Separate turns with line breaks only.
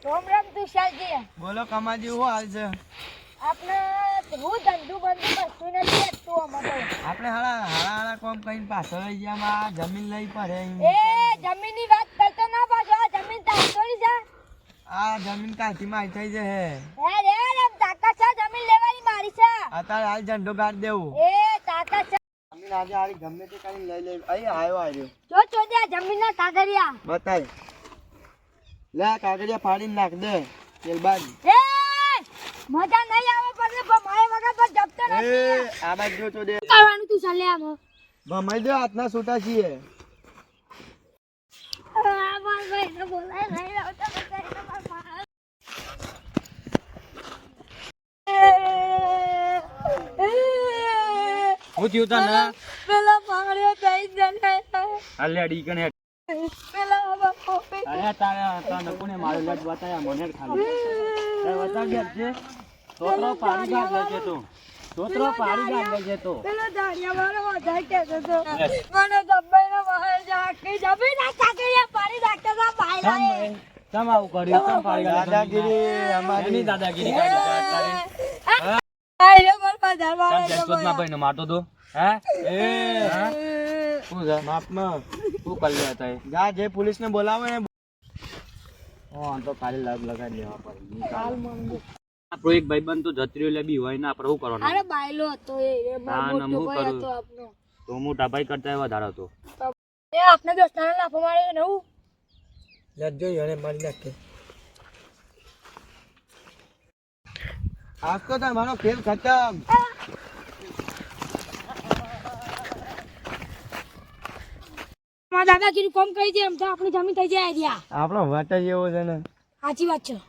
રામ રામ તુષારજી.
બોલો કમાજી શું હાલ છે?
આપણે હું ધંધુ બંધુ કશું નથી આપતું અમારે.
આપણે હાળા કોમ કઈને પાછળ લઈ ગયા જમીન લઈ પડે
એ જમીનની વાત કરતો ના પાછો. આ જમીન તારી થોડી છે.
આ જમીન કાંથી માં થઈ છે
હે રે એમ તાકાત છે જમીન લેવાની મારી છે.
અત્યારે હાલ ઝંડો ગાડી દેવું
એ તાકાત છે.
જમીન આજે હારી ગમે તે કરીને લઈ લે. અહીં આવ્યો
જો ચોદે આ જમીનના કાગળિયા
બતાય લે કાગળિયા ફાડીને નાખ દે તેલબાજી.
એ મજા નહીં આવે પણ મારે વગર પર જપતો નથી.
આ બાજુ જો તો દે
કરવાનું તું ચાલે આમ.
ભમાઈ દે હાથના છૂટા છીએ.
આ માર ભાઈ ને બોલાય નહીં આવતા બતાય તો માર
હું થયું તને
પેલા પાડ્યો થઈ જને
અલ્યા કને
પેલા બાપો
અરે તારા તને કોને મારું લટ બતાયા મને ખાલી એ બતા ગયા છે તોતરો પાડી ગાડ લેજે તું તોતરો પાડી ગાડ લેજે તું
પેલો દાડિયા વાળો વધારે કહેતો તો મને દબાઈને બહાર જાકી જમી ના કાકરિયા પાડી નાખતો તો ભાઈલાએ
તમ આવું કર્યું તમ પાડી ગાડ
દાદાગીરી અમારી
એની દાદાગીરી કાઢી તારી
આયો પર બજાર
તમ
વાળો
જસતમાં ભાઈને મારતો તો હે એ શું છે
માપમાં
તું કરી લે તાય
જા જે પોલીસને બોલાવે ને
ઓ તો ખાલી લગ લગાડી લેવા પડે
હાલ મંગો
આપણો એક ભાઈબંધ તો જત્રીઓ લે બી હોય ને આપણે શું કરવાનું
અરે બાયલો હતો એ
ના, ના,
મોટો
હું
ભાઈ
કરું?
હતો આપનો
તો મોટા ભાઈ કરતા વધારે હતો
એ આપને દોસ્તાને લાફો માર્યો ને હું
લજ્જો એને મારી નાખે. આજ તો તમારો ખેલ ખતમ.
મારા દાદાગીરી કોમ કરી દે એમ તો આપણી જમીન થઈ જાય રહ્યા
આપણો વાટ જ એવો છે ને.
સાચી વાત છે.